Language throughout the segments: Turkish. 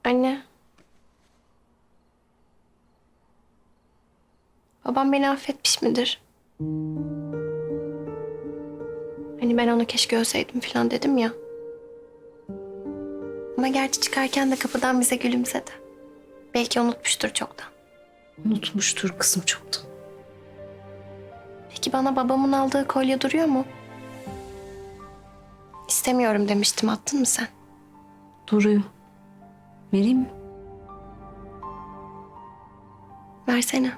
Anne. Babam beni affetmiş midir? Hani ben onu keşke ölseydim falan dedim ya. Ama gerçi çıkarken de kapıdan bize gülümsedi. Belki unutmuştur çoktan. Unutmuştur kızım çoktan. Peki bana babamın aldığı kolye duruyor mu? İstemiyorum demiştim. Attın mı sen? Duruyor. Vereyim mi? Versene.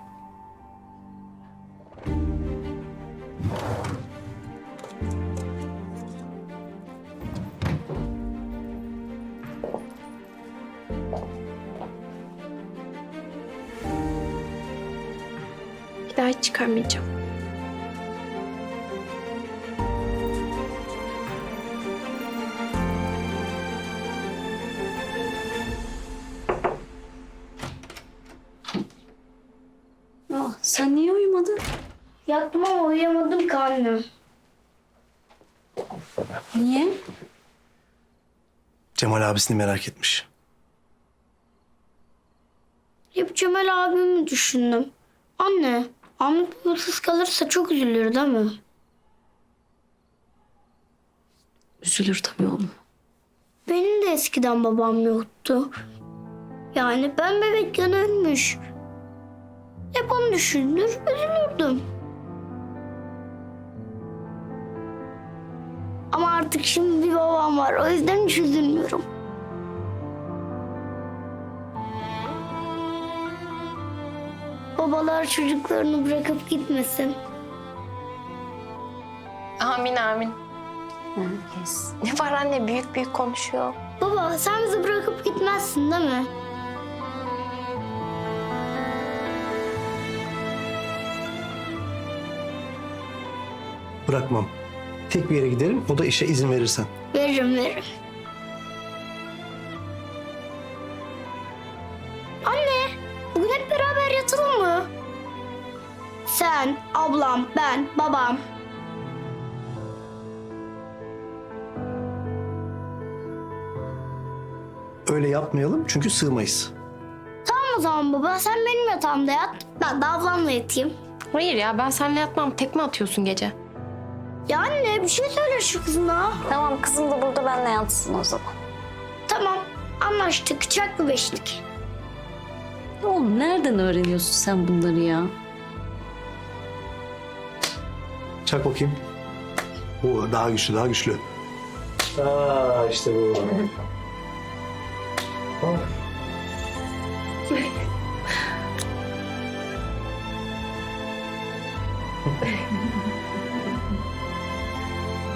Bir daha hiç çıkarmayacağım. Sen niye uyumadın? Yattım ama uyuyamadım ki anne. Niye? Cemal abisini merak etmiş. Hep Cemal abimi düşündüm. Anne, Ahmet babasız kalırsa çok üzülür değil mi? Üzülür tabii oğlum. Benim de eskiden babam yoktu. Yani ben bebekken ölmüş. Hep onu düşünür, üzülürdüm. Ama artık şimdi bir babam var. O yüzden hiç üzülmüyorum. Babalar çocuklarını bırakıp gitmesin. Amin amin. Herkes. Ne var anne? Büyük büyük konuşuyor. Baba sen bizi bırakıp gitmezsin değil mi? Bırakmam. Tek bir yere giderim, o da işe izin verirsen. Veririm. Anne, bugün hep beraber yatalım mı? Sen, ablam, ben, babam. Öyle yapmayalım çünkü sığmayız. Tamam o zaman baba, sen benim yatağımda yat. Ben de ablamla yatayım. Hayır ya, ben seninle yatmam. Tekme atıyorsun gece. Ya anne, bir şey söyle şu kızına. Tamam kızım da burada benimle yatsın o zaman. Tamam, anlaştık. Çaklı beşlik. Oğlum nereden öğreniyorsun sen bunları ya? Çak bakayım. Oo, daha güçlü, daha güçlü. Aa, işte bu.